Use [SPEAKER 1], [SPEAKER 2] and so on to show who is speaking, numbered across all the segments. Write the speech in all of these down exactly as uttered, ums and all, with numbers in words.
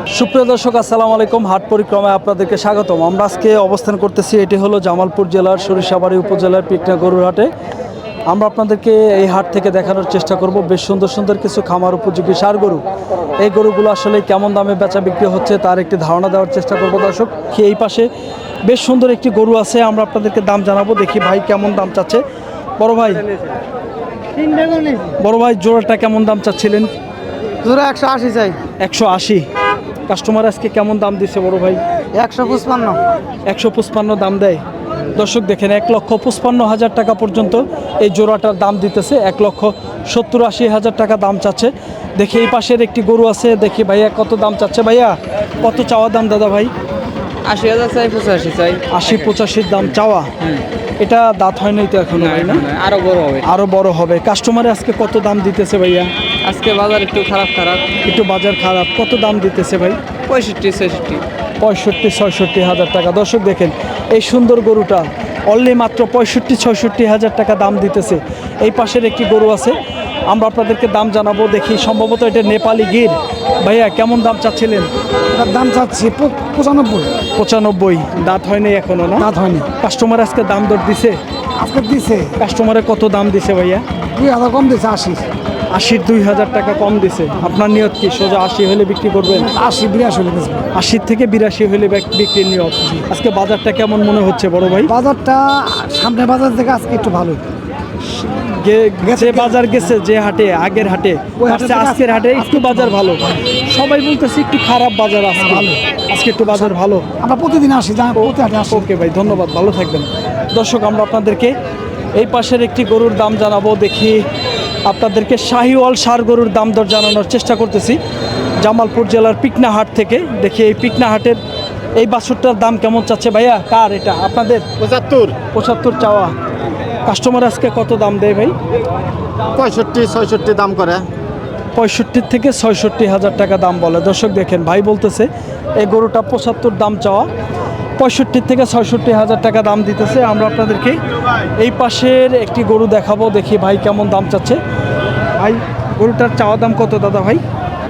[SPEAKER 1] সুপ্রিয় দর্শক আসসালামু আলাইকুম। হাট পরিক্রমায় আপনাদেরকে স্বাগতম। আমরা আজকে অবস্থান করতেছি, এটি হলো জামালপুর জেলার সরিষাবাড়ি উপজেলার পিকনা গরুর হাটে। আমরা আপনাদেরকে এই হাট থেকে দেখানোর চেষ্টা করব বেশ সুন্দর সুন্দর কিছু খামার উপযোগী ষাঁড় গরু। এই গরুগুলো আসলে কেমন দামে বেচা বিক্রি হচ্ছে তার একটি ধারণা দেওয়ার চেষ্টা করব দর্শক। এই পাশে বেশ সুন্দর একটি গরু আছে, আমরা আপনাদেরকে দাম জানাবো। দেখি ভাই কেমন দাম চাচ্ছে। বড় ভাই বড় ভাই জোড়াটা কেমন দাম চাচ্ছিলেন?
[SPEAKER 2] জোড়া একশো আশি চাই।
[SPEAKER 1] একশো আশি। কাস্টমার আজকে কেমন দাম দিচ্ছে বড় ভাই?
[SPEAKER 2] একশো পঁচপান্ন।
[SPEAKER 1] একশো পঁচপান্ন দাম দেয়। দর্শক দেখেন, এক লক্ষ পঁচপান্ন হাজার টাকা পর্যন্ত এই জোড়াটার দাম দিতেছে। এক লক্ষ সত্তর আশি হাজার টাকা দাম চাচ্ছে। দেখি এই পাশের একটি গরু আছে, দেখি ভাইয়া কত দাম চাচ্ছে। ভাইয়া কত চাওয়া দাম দাদা ভাই?
[SPEAKER 2] আশি হাজার চাই, পঁচাশি চাই।
[SPEAKER 1] আশি পঁচাশির দাম চাওয়া। এটা দাঁত হয় নাই তো এখনো ভাই? না,
[SPEAKER 2] আরো বড় হবে।
[SPEAKER 1] আরো বড় হবে। কাস্টমারে আজকে কত দাম দিতেছে ভাইয়া?
[SPEAKER 2] আজকে বাজার একটু খারাপ খারাপ
[SPEAKER 1] একটু বাজার খারাপ। কত দাম দিতেছে ভাই?
[SPEAKER 2] পঁয়ষট্টি ছেষট্টি।
[SPEAKER 1] পঁয়ষট্টি ছয়ষট্টি হাজার টাকা। দর্শক দেখেন, এই সুন্দর গরুটা অনলি মাত্র পঁয়ষট্টি ছয়ষট্টি হাজার টাকা দাম দিতেছে। এই পাশের একটি গরু আছে, আমরা আপনাদেরকে দাম জানাবো। দেখি, সম্ভবত এটা নেপালি গির। ভাইয়া কেমন দাম চাচ্ছিলেন?
[SPEAKER 2] এটার দাম চাচ্ছি পঁচানব্বই।
[SPEAKER 1] পঁচানব্বই। দাঁত হয়নি এখনো? না,
[SPEAKER 2] দাঁত হয়নি।
[SPEAKER 1] কাস্টমার আজকে দাম দর দিছে?
[SPEAKER 2] আজকে দিছে।
[SPEAKER 1] কাস্টমারে কত দাম দিছে ভাইয়া?
[SPEAKER 2] দুই হাজার কম দিছে, আশি।
[SPEAKER 1] আশির দুই হাজার টাকা কম দিছে। আপনার নিয়ত কি সোজা আশি হলে বিক্রি করবেন?
[SPEAKER 2] আশি বিরাশি হলে বেচবো।
[SPEAKER 1] আশির থেকে বিরাশি হলে বিক- বিক্রির নিয়ত। আজকে বাজারটা কেমন মনে হচ্ছে বড় ভাই?
[SPEAKER 2] বাজারটা সামনে বাজার থেকে আজকে একটু ভালো।
[SPEAKER 1] গে- যে বাজার গেছে যে হাটে, আগের হাটে
[SPEAKER 2] ওই হাটে
[SPEAKER 1] আজকে
[SPEAKER 2] থেকে
[SPEAKER 1] আজকের হাটে একটু বাজার ভালো। সবাই বলতেছে একটু খারাপ বাজার আজকে। আজকে একটু বাজার ভালো।
[SPEAKER 2] আমরা প্রতিদিন আসি, যা প্রতি হাটে আসি।
[SPEAKER 1] ওকে ভাই, ধন্যবাদ, ভালো থাকবেন। দর্শক আমরা আপনাদেরকে এই পাশের একটি গরুর দাম জানাবো। দেখি আপনাদেরকে শাহিওয়াল ষাঁড় গরুর দাম দর জানানোর চেষ্টা করতেছি জামালপুর জেলার পিকনা হাট থেকে। দেখি এই পিকনা হাটের এই বাছুরটার দাম কেমন চাচ্ছে ভাইয়া? কার এটা? আপনাদের?
[SPEAKER 3] পঁচাত্তর।
[SPEAKER 1] পঁচাত্তর চাওয়া। কাস্টমার আজকে কত দাম দেয় ভাই?
[SPEAKER 3] পঁয়ষট্টি ছয়ষট্টি দাম করে।
[SPEAKER 1] পঁয়ষট্টি থেকে ছয়ষট্টি হাজার টাকা দাম বলে। দর্শক দেখেন, ভাই বলতেছে এই গরুটা পঁচাত্তর দাম চাওয়া, পঁয়ষট্টি থেকে ছয়ষট্টি হাজার টাকা দাম দিতেছে। আমরা আপনাদেরকে এই পাশের একটি গরু দেখাবো। দেখি ভাই কেমন দাম চাচ্ছে। ভাই গরুটার চাওয়া দাম কত দাদা ভাই?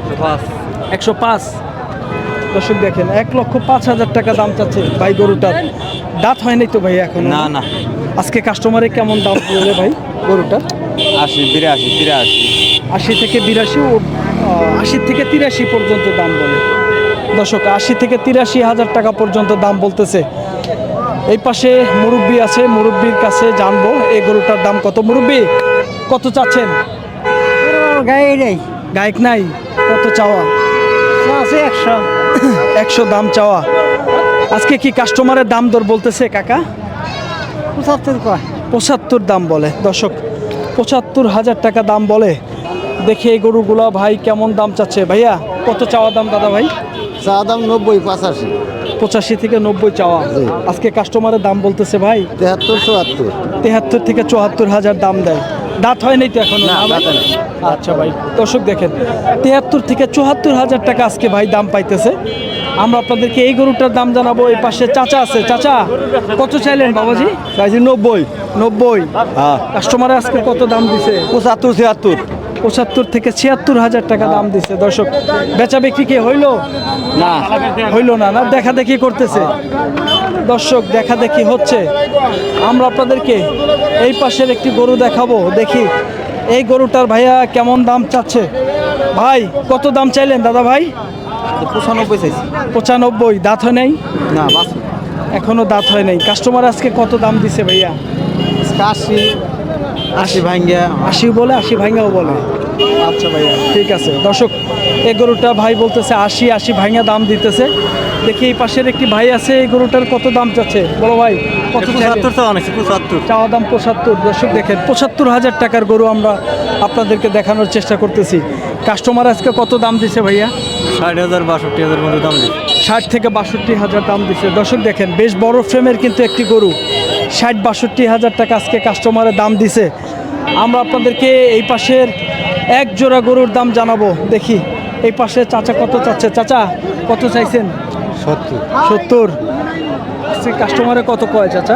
[SPEAKER 1] একশো পাঁচ। দর্শক দেখেন, এক লক্ষ পাঁচ হাজার টাকা দাম চাচ্ছে ভাই গরুটার। দাঁত হয় নাই তো ভাই এখন?
[SPEAKER 3] না না,
[SPEAKER 1] আজকে কাস্টমারে কেমন দাম বলে ভাই গরুটার?
[SPEAKER 3] আশি বিরাশি তিরাশি।
[SPEAKER 1] আশি থেকে বিরাশি ও আহ, আশি থেকে তিরাশি পর্যন্ত দাম বলে। দর্শক আশি থেকে তিরাশি হাজার টাকা পর্যন্ত দাম বলতেছে। এই পাশে মুরব্বি আছে, মুরব্বির কাছে জানবো এই গরুটার দাম কত। মুরব্বি কত চাচ্ছেন?
[SPEAKER 2] গায়ে নেই,
[SPEAKER 1] গায়ক নাই, কত চাওয়া?
[SPEAKER 2] আছে একশো।
[SPEAKER 1] একশো দাম চাওয়া। আজকে কি কাস্টমারের দাম দর বলতেছে কাকা?
[SPEAKER 2] পঁচাত্তর কয়।
[SPEAKER 1] পঁচাত্তর দাম বলে। দর্শক পঁচাত্তর হাজার টাকা দাম বলে। দেখি এই গরুগুলা ভাই কেমন দাম চাচ্ছে। ভাইয়া কত চাওয়া দাম দাদা ভাই?
[SPEAKER 3] চা দাম নব্বই পঁচাশি।
[SPEAKER 1] পঁচাশি থেকে নব্বই চাওয়া।
[SPEAKER 3] জি।
[SPEAKER 1] আজকে কাস্টমারের দাম বলতেছে ভাই
[SPEAKER 3] তেহাত্তর চুয়াত্তর।
[SPEAKER 1] তেহাত্তর থেকে চুয়াত্তর হাজার দাম দেয়। দাঁত হয় নাই তো এখন?
[SPEAKER 3] না, দাঁতে নাই।
[SPEAKER 1] আচ্ছা ভাই, দর্শক দেখেন, তেহাত্তর থেকে চুয়াত্তর হাজার টাকা আজকে ভাই দাম পাইতেছে। আমরা আপনাদেরকে এই গরুটার দাম জানাবো। এই পাশে চাচা আছে। চাচা কত চাইলেন বাবাজি?
[SPEAKER 3] চাইছি নব্বই।
[SPEAKER 1] নব্বই।
[SPEAKER 3] হ্যাঁ,
[SPEAKER 1] কাস্টমারে আজকে কত দাম দিছে?
[SPEAKER 3] পঁচাত্তর ছিয়াত্তর।
[SPEAKER 1] পঁচাত্তর থেকে ছিয়াত্তর হাজার টাকা দাম দিছে। দর্শক বেচা বিক্রি কি হইলো?
[SPEAKER 3] না,
[SPEAKER 1] হইলো না, না দেখা দেখি করতেছে। দর্শক দেখা দেখি হচ্ছে। আমরা আপনাদেরকে এই পাশের একটি গরু দেখাবো। দেখি এই গরুটার ভাইয়া কেমন দাম চাচ্ছে। ভাই কত দাম চাইলেন দাদা ভাই?
[SPEAKER 3] পঁচানব্বই চাইছি।
[SPEAKER 1] পঁচানব্বই। দাঁত হয় নাই
[SPEAKER 3] না, বাস
[SPEAKER 1] এখনো? দাঁত হয় নাই। কাস্টমার আজকে কত দাম দিছে ভাইয়া?
[SPEAKER 3] আশি। আশি ভাঙ্গিয়া।
[SPEAKER 1] আশি বলে, আশি ভাঙাও বলে। আচ্ছা ভাইয়া ঠিক আছে। দর্শক এই গরুটা ভাই বলতেছে আশি আশি ভাঙা দাম দিতেছে। দেখি এই পাশের একটি ভাই আছে, এই গরুটার কত দাম চাচ্ছে বলো ভাই? কত চাইলেন?
[SPEAKER 3] পঁচাত্তর।
[SPEAKER 1] চাওয়া দাম পঁচাত্তর। দর্শক দেখেন, পঁচাত্তর হাজার টাকার গরু আমরা আপনাদেরকে দেখানোর চেষ্টা করতেছি। কাস্টমার আজকে কত দাম দিছে ভাইয়া?
[SPEAKER 3] ষাট হাজার বাষট্টি হাজার মতো দাম দিই।
[SPEAKER 1] ষাট থেকে বাষট্টি হাজার দাম দিছে। দর্শক দেখেন, বেশ বড় ফ্রেমের কিন্তু একটি গরু। ষাট বাষট্টি হাজার টাকা আজকে কাস্টমারের দাম দিছে। আমরা আপনাদেরকে এই পাশের এক জোড়া গরুর দাম জানাবো। দেখি এই পাশে চাচা কত চাচ্ছে। চাচা কত চাইছেন?
[SPEAKER 3] সত্তর।
[SPEAKER 1] সত্তর। আজকে কাস্টমারে কত কয় চাচা?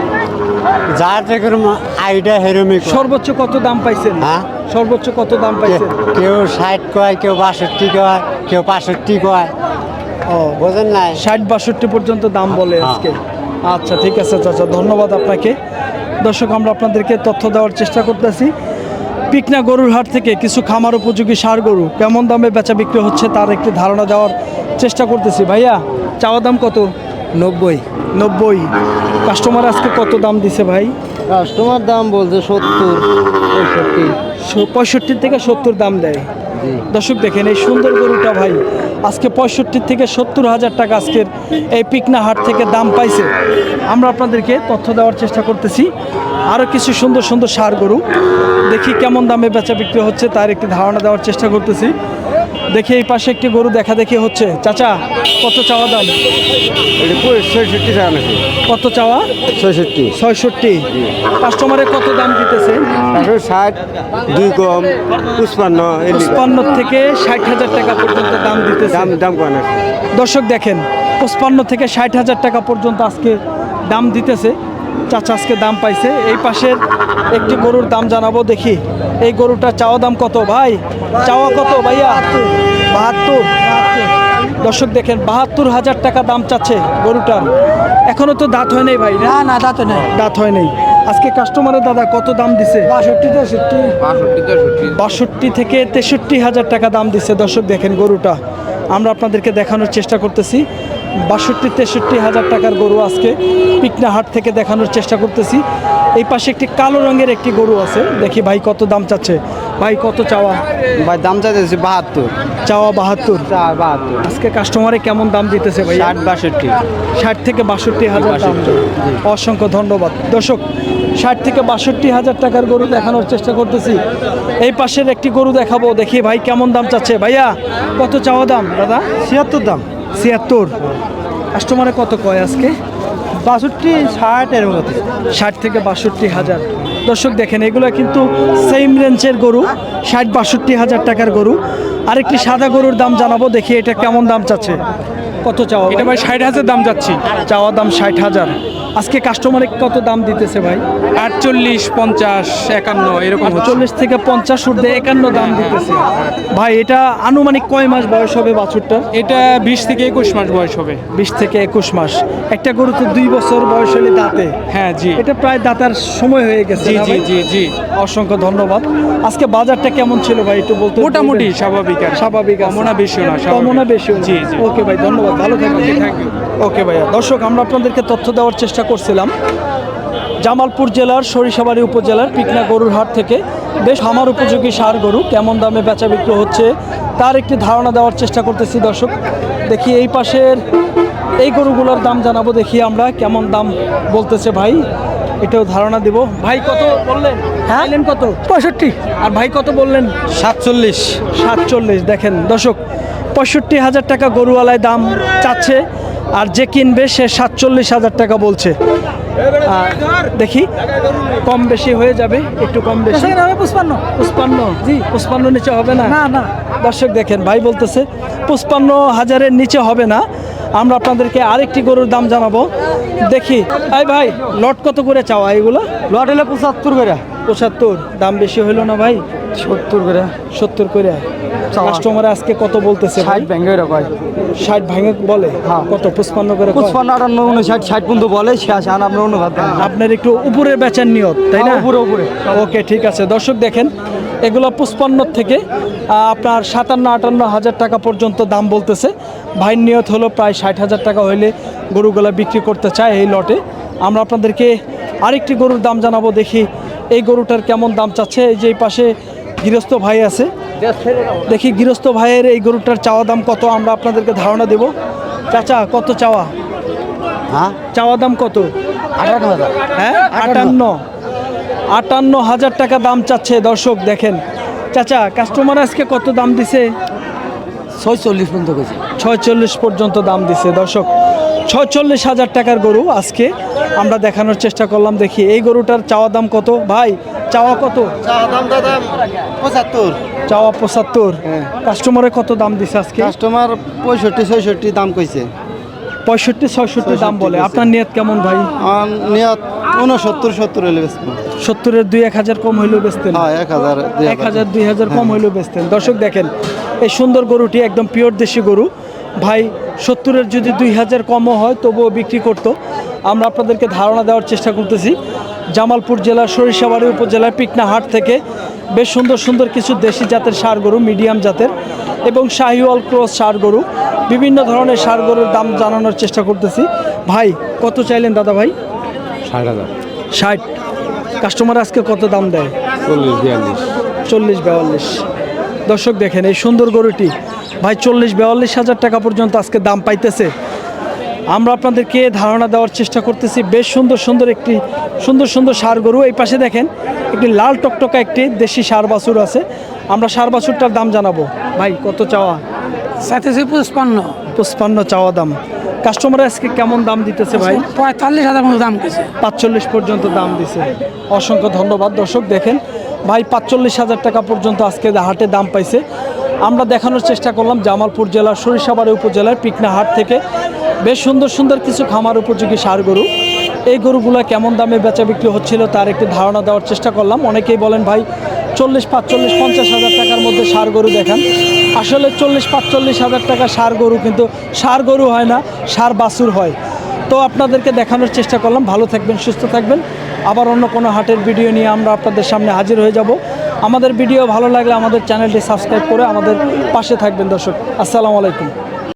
[SPEAKER 3] যার যেরকম আইডিয়া হেরমি।
[SPEAKER 1] সর্বোচ্চ কত দাম পাইছেন?
[SPEAKER 3] হ্যাঁ,
[SPEAKER 1] সর্বোচ্চ কত দাম পাইছেন?
[SPEAKER 3] কেউ ষাট কয়, কেউ বাষট্টি কয়, কেউ বাষট্টি কয়।
[SPEAKER 1] ও
[SPEAKER 3] বোঝেন নাই
[SPEAKER 1] ষাট বাষট্টি পর্যন্ত দাম বলে
[SPEAKER 3] হ্যাঁ।
[SPEAKER 1] আজকে। আচ্ছা ঠিক আছে চাচা, ধন্যবাদ আপনাকে। দর্শক আমরা আপনাদেরকে তথ্য দেওয়ার চেষ্টা করতেছি পিকনা গরুর হাট থেকে কিছু খামার উপযোগী ষাঁড় গরু কেমন দামে বেচা বিক্রি হচ্ছে তার একটি ধারণা দেওয়ার চেষ্টা করতেছি। ভাইয়া চাওয়া দাম কত?
[SPEAKER 2] নব্বই।
[SPEAKER 1] নব্বই। কাস্টমার আজকে কত দাম দিছে ভাই?
[SPEAKER 2] কাস্টমার দাম বলছে সত্তর পঁয়ষট্টি।
[SPEAKER 1] পঁয়ষট্টি থেকে সত্তর দাম দেয়। দর্শক দেখেন এই সুন্দর গরুটা ভাই আজকে পঁয়ষট্টি থেকে সত্তর হাজার টাকা আজকের এই পিকনা হাট থেকে দাম পাইছে। আমরা আপনাদেরকে তথ্য দেওয়ার চেষ্টা করতেছি আরও কিছু সুন্দর সুন্দর ষাঁড় গরু দেখি কেমন দামে বেচা বিক্রি হচ্ছে তার একটি ধারণা দেওয়ার চেষ্টা করতেছি। দেখি এই পাশে একটি গরু দেখা দেখি হচ্ছে। চাচা কত চাওয়া দাম?
[SPEAKER 3] ছয়ষট্টি টাকা নাকি
[SPEAKER 1] কত চাওয়া?
[SPEAKER 3] ছয়ষট্টি
[SPEAKER 1] ছয়ষট্টি। কাস্টমারে কত দাম দিতেছে?
[SPEAKER 3] একশো ষাট দুই কম পুষ্পান্ন
[SPEAKER 1] পঁচপান্ন থেকে ষাট হাজার টাকা পর্যন্ত দাম দিতেছে।
[SPEAKER 3] দাম দাম কয় না
[SPEAKER 1] দর্শক দেখেন পঁচপান্ন থেকে ষাট হাজার টাকা পর্যন্ত আজকে দাম দিতেছে। চাচা আজকে দাম পাইছে। এই পাশের একটি গরুর দাম জানাবো দেখি এই গরুটা চাওয়া দাম কত ভাই? চাওয়া কত ভাইয়া? বাহাত্তর। দর্শক দেখেন বাহাত্তর হাজার টাকা দাম চাচ্ছে গরুটার। এখনো তো দাঁত হয় নাই ভাই না?
[SPEAKER 2] না না তা তো নাই।
[SPEAKER 1] দাঁত হয় নাই। আজকে কাস্টমারের দাদা কত দাম দিছে?
[SPEAKER 2] বাষট্টি তেষট্টি।
[SPEAKER 1] বাষট্টি থেকে তেষট্টি হাজার টাকা দাম দিচ্ছে। দর্শক দেখেন গরুটা আমরা আপনাদেরকে দেখানোর চেষ্টা করতেছি বাষট্টি তেষট্টি হাজার টাকার গরু আজকে পিকনা হাট থেকে দেখানোর চেষ্টা করতেছি। এই পাশে একটি কালো রঙের একটি গরু আছে দেখি ভাই কত দাম চাচ্ছে। ভাই কত চাওয়া?
[SPEAKER 3] ভাই দাম চাইতেছি বাহাত্তর
[SPEAKER 1] চাওয়া বাহাত্তর।
[SPEAKER 3] বাহাত্তর
[SPEAKER 1] আজকে কাস্টমারে কেমন দাম দিতেছে ভাই?
[SPEAKER 3] ষাট বাষট্টি
[SPEAKER 1] ষাট থেকে বাষট্টি হাজার দাম। অসংখ্য ধন্যবাদ। দর্শক ষাট থেকে বাষট্টি হাজার টাকার গরু দেখানোর চেষ্টা করতেছি। এই পাশের একটি গরু দেখাবো দেখি ভাই কেমন দাম চাচ্ছে। ভাইয়া কত চাওয়া দাম দাদা?
[SPEAKER 2] ছিয়াত্তর দাম।
[SPEAKER 1] ছিয়াত্তর। কাস্টমারে কত কয় আজকে?
[SPEAKER 2] বাষট্টি ষাট এর মতো।
[SPEAKER 1] ষাট থেকে বাষট্টি হাজার। দর্শক দেখেন এগুলো কিন্তু সেম রেঞ্জের গরু, ষাট বাষট্টি হাজার টাকার গরু। আরেকটি সাদা গরুর দাম জানাবো দেখি এটা কেমন দাম চাচ্ছে। কত চাওয়া?
[SPEAKER 4] এটা ভাই ষাট হাজার দাম যাচ্ছি।
[SPEAKER 1] চাওয়া দাম ষাট হাজার। আজকে কাস্টমারে কত দাম দিতেছে ভাই?
[SPEAKER 4] আটচল্লিশ পঞ্চাশ একান্ন এরকম হচ্ছে।
[SPEAKER 1] চল্লিশ থেকে পঞ্চাশ ঊর্ধ্বে একান্ন দাম দিতেছে। ভাই এটা আনুমানিক কয় মাস বয়স হবে বাছুরটার?
[SPEAKER 4] এটা বিশ থেকে একুশ মাস বয়স হবে।
[SPEAKER 1] বিশ থেকে একুশ মাস। একটা গরু তো দুই বছর বয়স হলে দাঁতে।
[SPEAKER 4] হ্যাঁ জি
[SPEAKER 1] এটা প্রায় দাঁতার সময় হয়ে গেছে
[SPEAKER 4] জি
[SPEAKER 1] না
[SPEAKER 4] জি
[SPEAKER 1] ভাই?
[SPEAKER 4] জি জি
[SPEAKER 1] অসংখ্য ধন্যবাদ। আজকে বাজারটা কেমন ছিল ভাই একটু বলতে?
[SPEAKER 4] মোটামুটি স্বাভাবিক আর
[SPEAKER 1] স্বাভাবিক আছে।
[SPEAKER 4] কমও না বেশিও না, স্বাভাবিক।
[SPEAKER 1] কমও না বেশিও না।
[SPEAKER 4] জি জি
[SPEAKER 1] ওকে ভাই ধন্যবাদ, ভালো থাকবেন।
[SPEAKER 4] Thank you.
[SPEAKER 1] ওকে ভাইয়া। দর্শক আমরা আপনাদেরকে তথ্য দেওয়ার চেষ্টা করছিলাম জামালপুর জেলার সরিষাবাড়ি উপজেলার পিকনা গরুর হাট থেকে বেশ আমার উপযোগী ষাঁড় গরু কেমন দামে বেচা বিক্রি হচ্ছে তার একটি ধারণা দেওয়ার চেষ্টা করতেছি। দর্শক দেখি এই পাশের এই গরুগুলোর দাম জানাবো দেখি আমরা কেমন দাম বলতেছে ভাই, এটাও ধারণা দেব। ভাই কত বললেন? হ্যাঁ কত?
[SPEAKER 2] পঁয়ষট্টি।
[SPEAKER 1] আর ভাই কত বললেন?
[SPEAKER 3] সাতচল্লিশ
[SPEAKER 1] সাতচল্লিশ। দেখেন দর্শক পঁয়ষট্টি হাজার টাকা গরুওয়ালায় দাম চাচ্ছে আর যে কিনবে সে সাতচল্লিশ হাজার টাকা বলছে। আর দেখি কম বেশি হয়ে যাবে, একটু কম বেশি।
[SPEAKER 2] পুষ্পান্ন।
[SPEAKER 1] পুষ্পান্ন? জি পুষ্পান্ন নিচে হবে না?
[SPEAKER 2] না না।
[SPEAKER 1] দর্শক দেখেন ভাই বলতেছে পুষ্পান্ন হাজারের নিচে হবে না। আমরা আপনাদেরকে আরেকটি গরুর দাম জানাবো দেখি। এই ভাই লট কত করে চাওয়া এগুলো?
[SPEAKER 2] লট হলে পঁচাত্তর করে।
[SPEAKER 1] পঁচাত্তর। দাম বেশি হইলো না ভাই?
[SPEAKER 2] সত্তর করে।
[SPEAKER 1] সত্তর করে। কাস্টমার আজকে কত বলতেছে?
[SPEAKER 2] ষাট ব্যাঙ্গে কয়।
[SPEAKER 1] ষাট ভাঙে বলে?
[SPEAKER 2] হ্যাঁ।
[SPEAKER 1] কত পঁচপান্ন করে কয়?
[SPEAKER 2] পুষ্পান্ন আটান্ন উনষাট ষাট পর্যন্ত বলে শেষ আর আপনার অনুবাদ দেন।
[SPEAKER 1] আপনার একটু উপরে বেচার নিয়ত তাই না?
[SPEAKER 2] উপরে উপরে।
[SPEAKER 1] ওকে ঠিক আছে। দর্শক দেখেন এগুলো পঁচপান্ন থেকে আহ, আপনার সাতান্ন আটান্ন হাজার টাকা পর্যন্ত দাম বলতেছে। ভাইয়ের নিয়ত হলো প্রায় ষাট হাজার টাকা হইলে গরুগুলা বিক্রি করতে চায় এই লটে। আমরা আপনাদেরকে আরেকটি গরুর দাম জানাবো দেখি এই গরুটার কেমন দাম চাচ্ছে। এই যে এই পাশে গৃহস্থ ভাই আছে দেখি গৃহস্থ ভাইয়ের এই গরুটার চাওয়া দাম কত আমরা আপনাদেরকে ধারণা দেব। চাচা কত চাওয়া?
[SPEAKER 3] হ্যাঁ
[SPEAKER 1] চাওয়া দাম কত?
[SPEAKER 3] আঠান্ন হাজার
[SPEAKER 1] হ্যাঁ আটান্ন। আটান্ন হাজার টাকা দাম চাচ্ছে। দর্শক দেখেন চাচা কাস্টমার আজকে কত দাম দিছে?
[SPEAKER 2] ছয়চল্লিশ পর্যন্ত গেছে।
[SPEAKER 1] ছয়চল্লিশ পর্যন্ত দাম দিছে। দর্শক ছয়চল্লিশ হাজার টাকার গরু আজকে আমরা দেখানোর চেষ্টা করলাম। দেখি এই গরুটার চাওয়া দাম কত ভাই? চাওয়া কত?
[SPEAKER 3] দাম দাদা পঁচাত্তর
[SPEAKER 1] চাওয়া পঁচাত্তর। কাস্টমারে কত দাম দিছে আজকে?
[SPEAKER 3] কাস্টমার পঁয়ষট্টি ছয়ষট্টি দাম কইছে।
[SPEAKER 1] পঁয়ষট্টি ছয়ষট্টি দাম বলে।
[SPEAKER 3] বলছে।
[SPEAKER 1] আপনার নিয়ত কেমন ভাই?
[SPEAKER 3] আমার নিয়ত উনসত্তর সত্তর হলে বেচবো।
[SPEAKER 1] সত্তরের দুই এক হাজার কম হইলেও বেচতেন?
[SPEAKER 3] হ্যাঁ এক হাজার দুই
[SPEAKER 1] এক হাজার দুই হাজার কম হইলেও বেচতেন। দর্শক দেখেন এই সুন্দর গরুটি একদম পিওর দেশি গরু। ভাই সত্তরের যদি দুই হাজার কমও হয় তবুও বিক্রি করতো। আমরা আপনাদেরকে ধারণা দেওয়ার চেষ্টা করতেছি। জামালপুর জেলার সরিষাবাড়ি উপজেলার পিকনা হাট থেকে বেশ সুন্দর সুন্দর কিছু দেশি জাতের ষাঁড় গরু, মিডিয়াম জাতের এবং শাহিওয়াল ক্রস ষাঁড় গরু, বিভিন্ন ধরনের ষাঁড় গরুর দাম জানানোর চেষ্টা করতেছি। ভাই কত চাইলেন দাদা ভাই?
[SPEAKER 3] ষাট হাজার
[SPEAKER 1] ষাট। কাস্টমার আজকে কত দাম দেয়?
[SPEAKER 3] চল্লিশ বিয়াল্লিশ
[SPEAKER 1] চল্লিশ বিয়াল্লিশ। দর্শক দেখেন এই সুন্দর গরুটি ভাই চল্লিশ বিয়াল্লিশ হাজার টাকা পর্যন্ত আজকে দাম পাইতেছে। আমরা আপনাদেরকে ধারণা দেওয়ার চেষ্টা করতেছি। বেশ সুন্দর সুন্দর একটি সুন্দর সুন্দর ষাঁড় গরু। এই পাশে দেখেন একটি লাল টকটকা একটি দেশি ষাঁড় বাছুর আছে। আমরা ষাঁড় বাছুরটার দাম জানাবো। ভাই কত চাওয়া?
[SPEAKER 5] সাতাশি পঁচপান্ন
[SPEAKER 1] পঁচপান্ন চাওয়া দাম। কাস্টমার আজকে কেমন দাম দিতেছে ভাই?
[SPEAKER 5] পঁয়তাল্লিশ হাজার মতো দাম গেছে।
[SPEAKER 1] পাঁচচল্লিশ পর্যন্ত দাম দিছে। অসংখ্য ধন্যবাদ। দর্শক দেখেন ভাই পাঁচচল্লিশ হাজার টাকা পর্যন্ত আজকে হাটে দাম পাইছে। আমরা দেখানোর চেষ্টা করলাম জামালপুর জেলার সরিষাবাড়ি উপজেলার পিকনা হাট থেকে বেশ সুন্দর সুন্দর কিছু খামার উপযোগী ষাঁড় গরু। এই গরুগুলো কেমন দামে বেচা বিক্রি হচ্ছিল তার একটি ধারণা দেওয়ার চেষ্টা করলাম। অনেকেই বলেন ভাই চল্লিশ পাঁচচল্লিশ পঞ্চাশ হাজার টাকার মধ্যে ষাঁড় গরু দেখান। আসলে চল্লিশ পাঁচচল্লিশ হাজার টাকা ষাঁড় গরু কিন্তু ষাঁড় গরু হয় না, ষাঁড় বাছুর হয়। তো আপনাদেরকে দেখানোর চেষ্টা করলাম। ভালো থাকবেন, সুস্থ থাকবেন। আবার অন্য কোনো হাটের ভিডিও নিয়ে আমরা আপনাদের সামনে হাজির হয়ে যাব। আমাদের ভিডিও ভালো লাগলে আমাদের চ্যানেলটি সাবস্ক্রাইব করে আমাদের পাশে থাকবেন। দর্শক আসসালামু আলাইকুম।